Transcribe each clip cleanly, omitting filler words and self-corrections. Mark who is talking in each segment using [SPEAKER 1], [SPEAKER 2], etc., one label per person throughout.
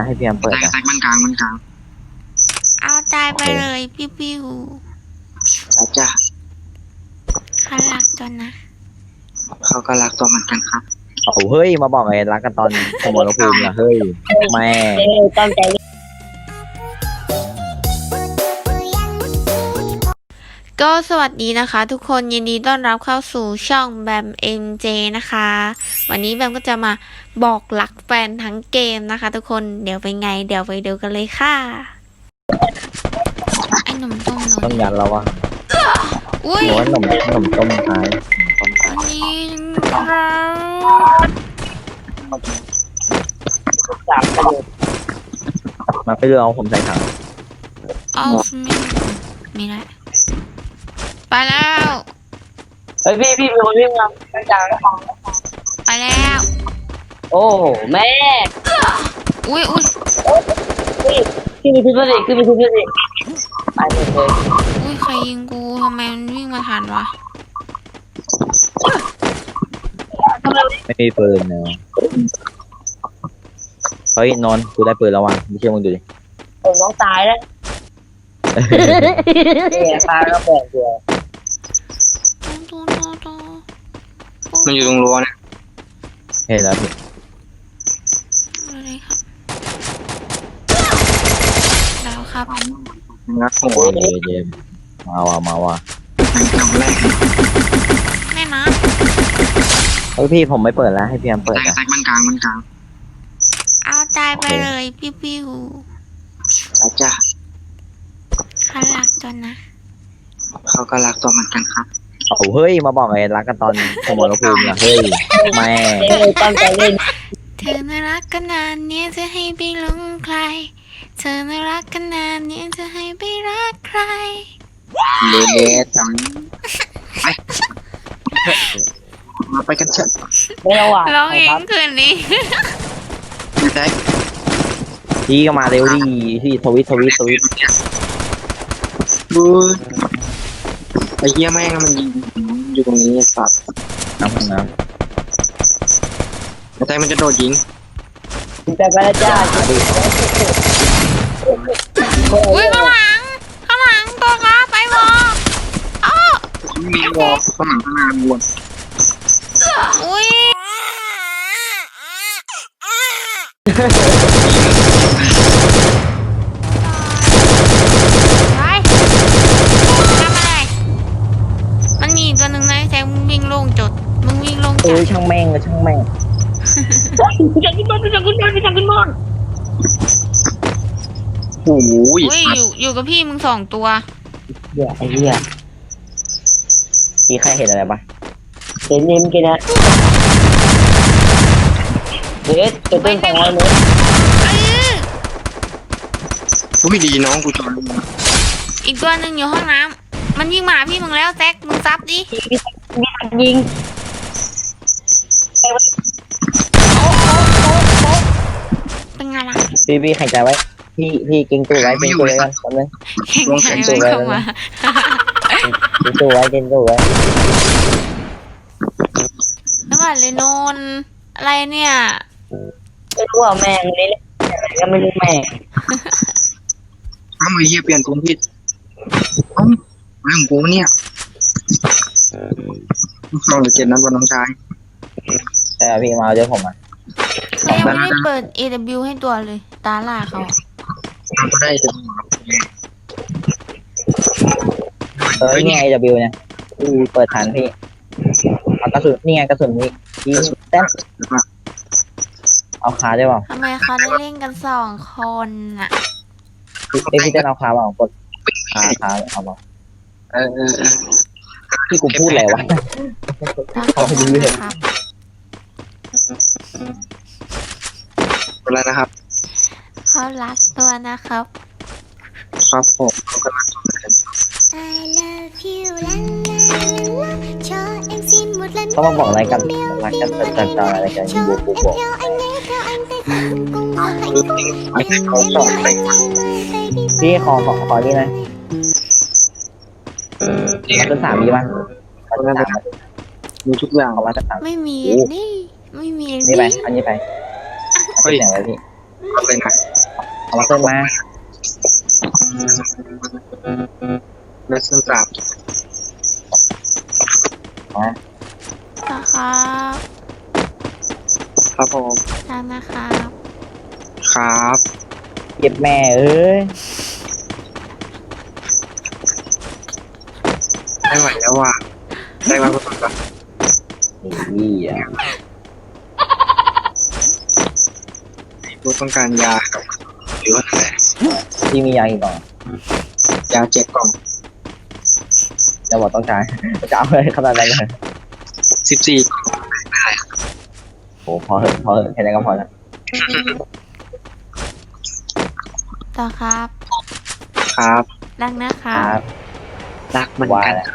[SPEAKER 1] ให้พี่แอมเปิดนะ
[SPEAKER 2] แตกมันกลาง
[SPEAKER 3] เอาตายไปเลยปิ้ว
[SPEAKER 2] จ้า
[SPEAKER 3] เขารักจนนะ
[SPEAKER 2] เขาก็รักตัวเหมือนกันครับ
[SPEAKER 1] โอ้เฮ้ยมาบอกไงรักกันตอนสมรภูมิอะเฮ้ยแม่
[SPEAKER 4] ตั้งใจ
[SPEAKER 3] ก็สวัสดีนะคะทุกคนยินดีต้อนรับเข้าสู่ช่องแบม MJ นะคะวันนี้แบมก็จะมาบอกรักแฟนทั้งเกมนะคะทุกคนเดี๋ยวไปไงเดี๋ยวไปดูกันเลยค่ะไอ้หนุ่มต้มหนู
[SPEAKER 1] ต้องยันแล้ววะ
[SPEAKER 3] อุ้ย
[SPEAKER 1] หนูว่าหนุ่มต้มท้ายต้มท้าย
[SPEAKER 3] อันนี้ครับ
[SPEAKER 1] มาไปเรือเอาผมใส่ถัง
[SPEAKER 3] เอามีแล้วไปแล้ว
[SPEAKER 4] เฮ้ยพี่เป็นคนวิ่งมาตั้งใจ
[SPEAKER 3] ไปแล้ว
[SPEAKER 4] โอ้แม่
[SPEAKER 3] อุ้ย
[SPEAKER 4] ขึ้นไปทุบเลยขึ้นไปทุบเลยตายหมดเลย
[SPEAKER 3] อุ้ยใครยิงกูทำไมมันวิ่งมาทันวะ
[SPEAKER 1] ไม่มีปืนเนอะเฮ้ยนอนกูได้ปืนแล้ววะไม่เชื่อมึงดูดิ
[SPEAKER 4] ผมน้องตายแล้วเนี่ยตายแล้วแปลกเดียว
[SPEAKER 2] มันอยู่ตรงรั้วเนี่ย
[SPEAKER 1] เห็นแล้วพี่
[SPEAKER 3] อะไรครับแล้วครับ
[SPEAKER 2] งัดหัว
[SPEAKER 1] เยมาว่ะ
[SPEAKER 2] จำแรก
[SPEAKER 3] แม่นะ
[SPEAKER 1] เฮ้ยพี่ผมไม่เปิดแล้วให้พี่แอมเปิดนะ
[SPEAKER 2] แตกมันกลาง
[SPEAKER 3] เอาตายไปเลยปิ้ว
[SPEAKER 2] จ้า
[SPEAKER 3] เขารักจนนะ
[SPEAKER 2] เขาก็รักตัวเหมือนกันครับ
[SPEAKER 1] โอ้เฮ้ยมาบอกไงรักกันตอนสมรภูมิอะเฮ้ยแม่
[SPEAKER 4] ตั้งใจเล่น
[SPEAKER 3] เธอน่ารักกันนานเนี้ยจะให้ไปหลงใครเธอน่ารักกันนานเนี้ยจะให้ไปรักใคร
[SPEAKER 2] เลจังไปกันเถอะ
[SPEAKER 4] ไม่ระหว่าง
[SPEAKER 3] ร้องเอง
[SPEAKER 4] ครับ
[SPEAKER 3] คืนนี้
[SPEAKER 2] แตก
[SPEAKER 1] พี่ก็มาเร็วดิพี่ทวิต
[SPEAKER 2] บูไอ้เหี้ยแม่งมันยิงอยู่ตรงนี้สัตว์
[SPEAKER 1] น้ำห้องน้
[SPEAKER 2] ไอ้แตกมันจะโดดยิง
[SPEAKER 4] แต่ไปแล้วจ้า
[SPEAKER 3] อุ้ยข้างหลังตัวค้าไปวออ้อ
[SPEAKER 2] มีวอลข้างหลังข้างหน้าวน
[SPEAKER 3] อุ้ยไปทำอะไรมันมีอีกตัวหนึ่งนะแซงมึงวิ่งโล่งจดมึงวิ่งโล่ง
[SPEAKER 1] ำ
[SPEAKER 3] จัด
[SPEAKER 1] ช่างแม่ง
[SPEAKER 4] อยากกินบอล
[SPEAKER 2] โอ้ย
[SPEAKER 3] อุ้ยอยู่กับพี่มึงสองตัว
[SPEAKER 4] เหี้ยไอ้เหี้ย
[SPEAKER 1] พี่ใครเห็นอะไรปะ
[SPEAKER 4] เห็นนิ่มกินนะเด็ดตัวต้น200 เมตร
[SPEAKER 2] อุ้ยดีน้องกูจอด
[SPEAKER 3] อีกตัวหนึ่งอยู่ห้องน้ำมันยิงมาหาพี่มึงแล้วแซกมึงซับดิ
[SPEAKER 4] ยิง
[SPEAKER 3] เป็นไงล่ะ
[SPEAKER 1] พี่แข่งใจไว้พี่เก่งตัวไว้กันแป๊บนึง
[SPEAKER 3] แข่งใจมันเข้ามา
[SPEAKER 1] เก่งตัวไว้
[SPEAKER 3] แล้วว่าเลยนนอะไรเนี่ย
[SPEAKER 4] ไม่รู้ว่าแม่งนี่แหละก็ไม่รู้แม่ง
[SPEAKER 2] อ้าวไอ้เหี้ยเปลี่ยนตัวผิดเอ้าเรื่องกูเนี่ยเราเหลือ7 นัดวันน้องชาย
[SPEAKER 1] แต่พี่มาเดี๋ยวผมอ่ะ
[SPEAKER 3] เขายังไม่ได้เปิด AW ให้ตัวเลย ตาล่าเขา
[SPEAKER 2] เราก็ได้จะ
[SPEAKER 1] นี่ไง AW เนี่ยพี่เปิดฐานพี่เอากระสุนนี่ไงกระสุนพี่เต้นเอาขาได้เปล่า
[SPEAKER 3] ทำไมเขาได้เล่นกัน2 คนอ่ะ
[SPEAKER 1] พี่เต้นเอาขาเปล่ากดขาเอาเปล่า
[SPEAKER 2] เออ
[SPEAKER 1] พี่กูพูดอะไรวะ
[SPEAKER 3] เขาไปดูเลยครับ
[SPEAKER 2] อะไรนะครับ
[SPEAKER 3] เขารักตัวนะครับ
[SPEAKER 2] ครับผมเขากำลัง
[SPEAKER 3] I love you
[SPEAKER 1] ต้องมาบอกอะไรกันรักกันจัดอะไรกันบูบอก
[SPEAKER 2] ไม่ใช่เขาสอนไป
[SPEAKER 1] พี่ขอนี่นะมาเป็น3 มีป่ะมาเป็น3
[SPEAKER 2] มีทุกอย่าง
[SPEAKER 1] เอามาสัก3
[SPEAKER 3] ไม่มีนี่ไม่มี
[SPEAKER 1] นี่ไปอันนี้ไปเอาที่ไหนไว้พี่
[SPEAKER 2] เอาเลยนะ
[SPEAKER 1] เอามาเส้นมา
[SPEAKER 2] เลสเซนสาม
[SPEAKER 3] นะครับ
[SPEAKER 2] ครับผม
[SPEAKER 3] รักนะครับ
[SPEAKER 2] ครับ
[SPEAKER 1] เก็บแม่เอ้ย
[SPEAKER 2] ไม่ไหวแล้วว่ะได้มาก็ต้องการ
[SPEAKER 1] นี่อ่ะ
[SPEAKER 2] กูต้องการยากับหรือว่าอะไร
[SPEAKER 1] ที่มียาอีกหน่อย
[SPEAKER 2] ยา7 กล่อง
[SPEAKER 1] จะบอกต้องการจะเอาเลยขนาดนั้นเลย
[SPEAKER 2] 14 กล่อง
[SPEAKER 1] โอ้พอเถอะแค่นั้นก็พอแล้ว
[SPEAKER 3] ต่อครับ
[SPEAKER 2] ครับ
[SPEAKER 3] รักนะค
[SPEAKER 1] ค
[SPEAKER 3] รั
[SPEAKER 1] รับ บ
[SPEAKER 2] รักมัน
[SPEAKER 1] ว่า
[SPEAKER 2] กัน
[SPEAKER 1] แหละ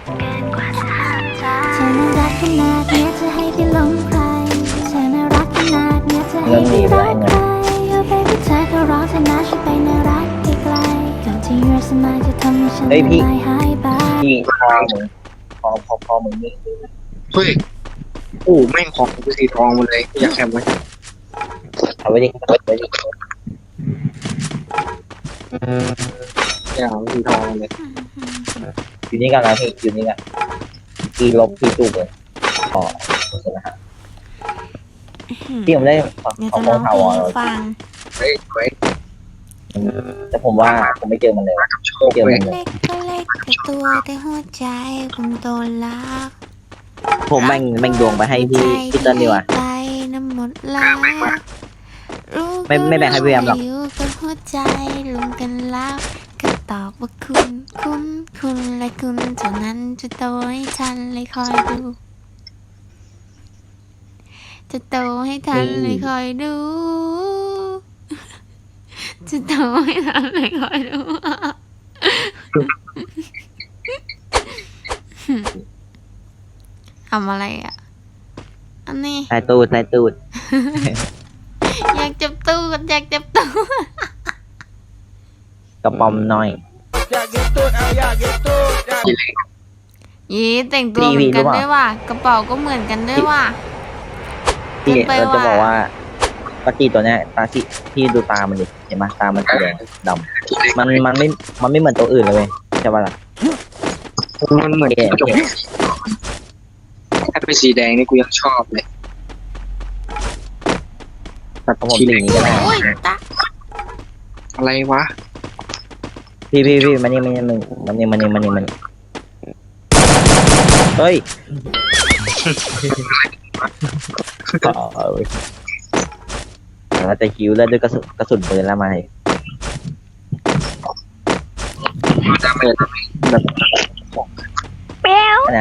[SPEAKER 5] เธอน่ารักขนาดเนี้ยจะให้ไปหลงใครเธอน่ารักขนาดเนี้ยจะให้ไปรักใคร Oh baby เธอก็ร้องเธอนะช่วยไปน่ารักไกลๆก่อนที่ your smile จะทำให้ฉันละลายหายไป
[SPEAKER 1] พี่คอมึงคอมึงนี่
[SPEAKER 2] เฮ้ยโอ้แม่งของกูสีทองหมดเลยอยากแคมไว้
[SPEAKER 1] เอาไว้ดิเอาไว้ดิ
[SPEAKER 2] อยากเอาสีทองหมดเลย
[SPEAKER 1] อยู่นี่กันนะพี่อยู่นี่กันพี่ลบพี่จูบเลยอ๋อโอเคนะฮะพี่ผมได้
[SPEAKER 3] เดี๋ยว
[SPEAKER 1] เอา
[SPEAKER 3] จะ
[SPEAKER 1] ข
[SPEAKER 3] ร้
[SPEAKER 1] อ
[SPEAKER 3] อง ง
[SPEAKER 1] ถาวร
[SPEAKER 3] เพลงให้ฟัง
[SPEAKER 2] เฮ้ยไว้
[SPEAKER 1] แต่ผมว่าผมไม่เจอมันเลย
[SPEAKER 2] กับโชค
[SPEAKER 1] เจอ
[SPEAKER 2] เว้ย
[SPEAKER 1] มันเลย
[SPEAKER 3] เล็กก็เล็กแต่ตัวแต่หัวใจผมโดนลัก
[SPEAKER 1] ผมแม่งดวงไปให้พี่เติ้ลดีกว่า
[SPEAKER 3] ใจน้ำหมดละรู้
[SPEAKER 1] ไม่แบ่งให้พี่แอมหรอก
[SPEAKER 3] ยู่กับหัวใจรวมกันแล้วก็ตอบว่าคุณและคุณเท่านั้นจะโตให้ทันเลยคอยดู จะโตให้ทันเลยคอยดู จะโตให้ทันเลยคอยดู ทำอะไรอ่ะ อันนี้
[SPEAKER 1] ใส่ตูด
[SPEAKER 3] อยากจับตู้กันอยากจับตู้
[SPEAKER 1] กระป๋อมน้อย
[SPEAKER 3] ยีแต่งตัวเหมือนกันด้วยว่ะกระเป๋าก็เหมือนกันด้วยว่ะ
[SPEAKER 1] พี่
[SPEAKER 3] เกินไป
[SPEAKER 1] เราจะ
[SPEAKER 3] ว่ะ
[SPEAKER 1] บอกว่าปกติตัวเนี้ยตาที่พี่ดูตามันดิเห็นไหมตามันสีแดงดำมันไม่เหมือนตัวอื่นเลยเว้ยใช่ป่ะล่ะ
[SPEAKER 2] มันเหมือนกระจกถ้าเป็นสีแดงนี่กูยังชอบเลยแบบ
[SPEAKER 1] ของผม
[SPEAKER 2] สี
[SPEAKER 1] สี
[SPEAKER 2] แดง
[SPEAKER 1] นี้ก็ได้
[SPEAKER 3] โอ้ยตา
[SPEAKER 2] อะไรวะ
[SPEAKER 1] พี่มันนี่เฮ้ยแล้วแต่คิวแล้วด้วยกระสุนปืนแล้วมาเลย
[SPEAKER 2] ดาเมจแบบ
[SPEAKER 1] นะ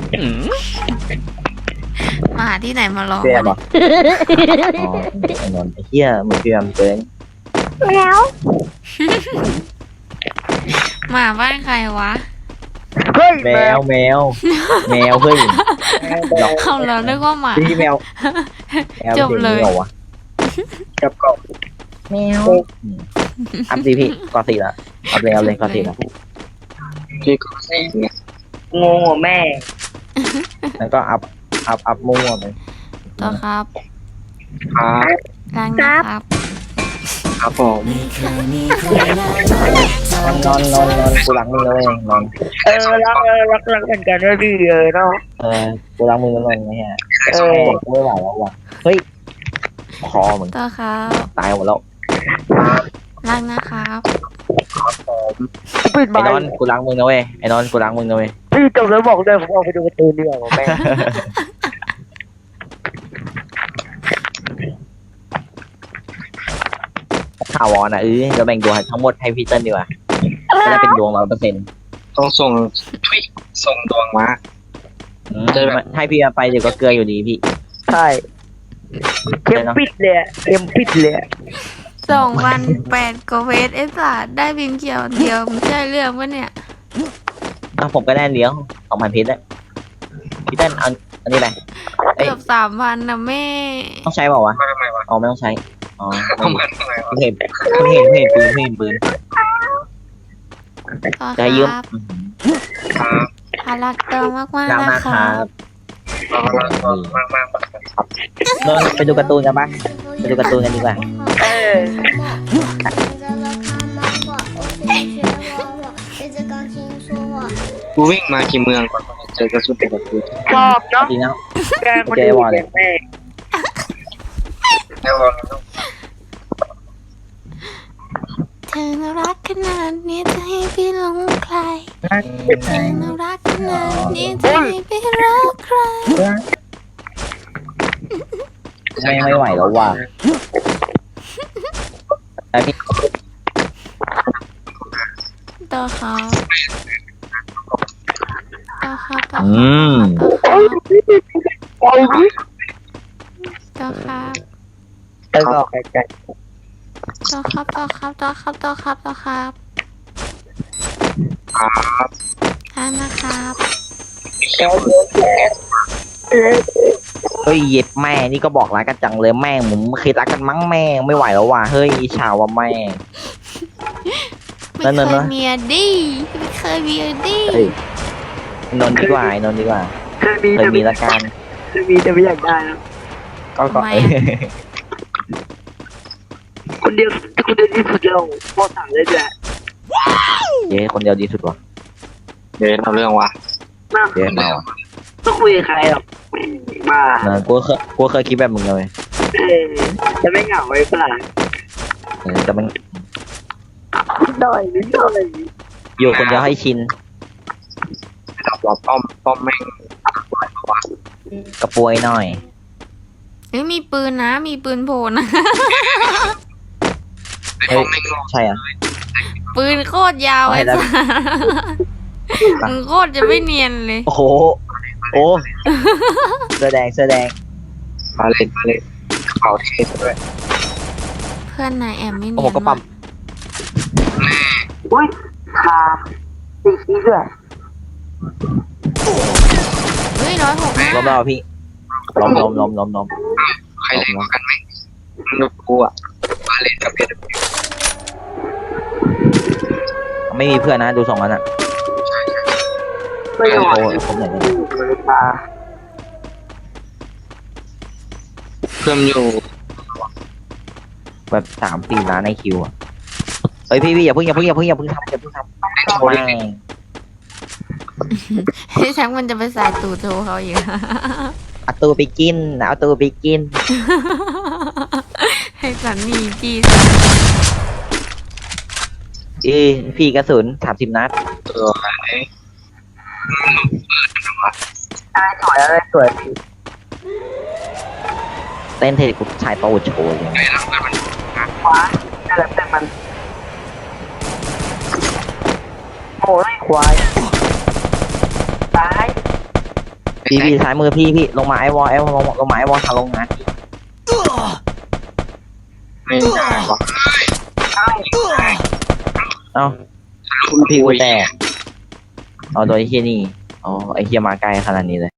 [SPEAKER 3] มาหาที่ไหนมาร้อง
[SPEAKER 1] เพี่ย
[SPEAKER 3] วะ
[SPEAKER 1] บอกอ๋อไอ้นนท์ไอ้เหี้ยเหมือนพี่แอมเกิน
[SPEAKER 3] หมาบ้านใครวะ
[SPEAKER 1] แมวเฮ้ย
[SPEAKER 3] เอาแล้วนึกว่าหมา
[SPEAKER 1] พี่แมว
[SPEAKER 3] จบเลย
[SPEAKER 1] แมวหรอวะ
[SPEAKER 2] กับกล่อง
[SPEAKER 1] แมวอัพสิพี่กอสี่ละเอาเลยกอสี่ละ
[SPEAKER 2] ที่กูใส่เนี่ย
[SPEAKER 4] งงหัวแม่
[SPEAKER 1] แล้วก็อัพมั่วไป
[SPEAKER 3] ต่อครับ
[SPEAKER 2] ครับ
[SPEAKER 3] ล้างนะครับ
[SPEAKER 2] ครับผม
[SPEAKER 1] นอนกูรักมึงเลยนอน
[SPEAKER 4] รักเหมือนกันด้วยพี่เนาะ
[SPEAKER 1] กูรักมึงเลยไงฮะกูไม่ไหวแล้วว่ะเฮ้ยคอมึง
[SPEAKER 3] ต่อครับ
[SPEAKER 1] ตายหมดแล้ว
[SPEAKER 3] ล้างนะครับ
[SPEAKER 4] ปิด
[SPEAKER 1] ไอ้
[SPEAKER 4] ไม้
[SPEAKER 1] นอนกูรักมึงนะเว้ยไอ้นอนกูรักมึงนะเว้ย
[SPEAKER 4] พี่จบแล้วบอกเลยผมออกไปดูการ์ตูนดีกว่าแม่
[SPEAKER 1] ข่าววอนอ่ะเราแบ่งดวงทั้งหมดให้พี่เติ้ลดีกว่าจะได้เป็นดวง100%
[SPEAKER 2] ต้องส่งส่งดวงมา
[SPEAKER 1] ให้พี่ไปเดี๋ยวก็เกลืออยู่ดีพี่
[SPEAKER 4] ใช่เข้มปิดเลยเข้มปิดเลย
[SPEAKER 3] 2,008กว่าเวทไอ้สัสได้บินเขียวเดียวมันใช่เรื่องปะเนี่ย
[SPEAKER 1] ผมก็ได้เลี้ยง2,000เพชรแล้วพี่เต้นเอาอันนี้ไป
[SPEAKER 3] เกือบ3,000นะแม่
[SPEAKER 1] ต้องใช้เปล่าวะ
[SPEAKER 2] ทำไมวะ
[SPEAKER 1] อ๋อไม่ต้องใช้อ๋อ
[SPEAKER 2] ทำไมวะ
[SPEAKER 1] เห็นปืน
[SPEAKER 3] ต่อ
[SPEAKER 1] จะ
[SPEAKER 3] ค
[SPEAKER 1] ยืม
[SPEAKER 3] รับ
[SPEAKER 2] ครับ
[SPEAKER 3] พารักเติมมากๆ
[SPEAKER 1] รัก
[SPEAKER 3] นะ
[SPEAKER 1] มาก
[SPEAKER 3] ค
[SPEAKER 1] ค
[SPEAKER 3] รั
[SPEAKER 1] รั
[SPEAKER 3] บบ
[SPEAKER 2] มาก
[SPEAKER 1] นนท์ไปดูการ์ตูนกันปะไปดูการ์ตูนกันดีกว่า
[SPEAKER 2] กูวิ่งมากี่เมืองก่อนเจอกระสุนเป็นกระสุน
[SPEAKER 4] ชอบเนาะ
[SPEAKER 1] จริงนะ
[SPEAKER 4] แกคนดีอย่างแม่
[SPEAKER 2] แล้วก็
[SPEAKER 3] เธอน่ารักขนาดนี้จะให้พี่หลงใครเธอน่ารักขนาดนี้จะให้พี่รักใคร
[SPEAKER 1] ไม่ไหวแล้วว่ะแต่พี่
[SPEAKER 3] ต่อครับต่อครับต่อ
[SPEAKER 1] อื
[SPEAKER 3] ครับ
[SPEAKER 1] ม
[SPEAKER 3] ต่อครับ
[SPEAKER 4] แล้วก็ไกล
[SPEAKER 3] ต่อครับต่อครับต่อครับต่อครับต่อครับ
[SPEAKER 2] ครับ
[SPEAKER 3] ท่านนะครับ
[SPEAKER 1] เฮ้ยเย็บแม่นี่ก็บอกรักกันจังเลยแม่งผมเคยรักกันมั้งแม่งไม่ไหวแล้วว่ะเฮ้ยอิจฉาว่ะแม่
[SPEAKER 3] ไม่
[SPEAKER 1] นั่น
[SPEAKER 3] เค
[SPEAKER 1] น่ะ
[SPEAKER 3] ยมีอดีไม่เคยมีอดี
[SPEAKER 1] เฮ้ยนนท์ดีกว่านนท์ดีกว่า
[SPEAKER 4] ๆเคยมี
[SPEAKER 1] เคยมีละกัน
[SPEAKER 4] จะไม่อยากได้นะ
[SPEAKER 1] ก็
[SPEAKER 3] ทำไม
[SPEAKER 4] คนเดียวที่สุดแล้วพ่อสั่งเลยแหละ
[SPEAKER 1] เย้คนเดียวดีสุดว่ะ
[SPEAKER 2] เดี๋ยวเราเรื่องว่ะ
[SPEAKER 4] น่า
[SPEAKER 1] เย้มาว่ะ
[SPEAKER 4] ต้องคุยกับใครหรอกมา
[SPEAKER 1] นะกูเคยคิดแบบมึงเลย
[SPEAKER 4] จะไม่เหงาไว้เปล่า
[SPEAKER 1] จะมัน
[SPEAKER 4] นิดหน่อย
[SPEAKER 1] อยู่คนเดียวให้ชิน
[SPEAKER 2] เราบอกป้อมแม่ง
[SPEAKER 1] กระปวยหน่อย
[SPEAKER 3] เฮ้ยมีปืนนะ มีปืนโผล่นะ
[SPEAKER 2] ป้อมแม่ง
[SPEAKER 1] ใช่อ่ะ
[SPEAKER 3] ปืนโคตรยาว
[SPEAKER 1] เอาให้
[SPEAKER 3] ไอ้
[SPEAKER 1] ได้
[SPEAKER 3] สัสมึงโคตรจะไม่เนียนเลย
[SPEAKER 1] โอ้โหโอ้เสื้อแดง
[SPEAKER 2] มาเล่นกระเป๋าเทสด้วย
[SPEAKER 3] เพื่อนนายแอมไม่
[SPEAKER 1] โอ้
[SPEAKER 3] เนี
[SPEAKER 1] โห
[SPEAKER 3] ยน
[SPEAKER 1] ก็ปั๊ม
[SPEAKER 4] อุ้ยขาตีขี้ด้วย
[SPEAKER 3] เฮ้ย165
[SPEAKER 1] ล้มแล้วพี่ล้ม
[SPEAKER 2] ใครเล่นกันไหมลูกกูอ่ะมาเล่นกับเพชร
[SPEAKER 1] ไม่มีเพื่อนนะดูสองอันอ่ะ
[SPEAKER 4] ไม่ไหว
[SPEAKER 1] โอ้ผมไหนเนี่ย
[SPEAKER 4] ตา
[SPEAKER 2] เพื่อนอยู่
[SPEAKER 1] แบบ3-4ล้านในคิวอ่ะเฮ้ยพี่อย่าเพิ่งทำไม่
[SPEAKER 3] ให้แชมป์มันจะไปใส่ตูดโชว์เขาอีก
[SPEAKER 1] เอาตัวไปกินเอาตัวไปกิน
[SPEAKER 3] ให้สันนี่พี่
[SPEAKER 1] พี่กระสุน30 นัด
[SPEAKER 2] ตัวไหน
[SPEAKER 4] อะไรสวย
[SPEAKER 1] เต้นเทกูชายโตโชว์เลย
[SPEAKER 4] ขวาอะไรแต่มันโอ้ยควายตาย
[SPEAKER 1] พี่ซ้ายมือพี่ลงมาไอวอลลงมาไอวอลทางลงนะ
[SPEAKER 2] ไม่ได้วะ
[SPEAKER 1] เอ้าพี่กูแตกเอาตัวไอ้เฮียนี่อ๋อไอ้เฮียมาไกลขนาดนี้เลย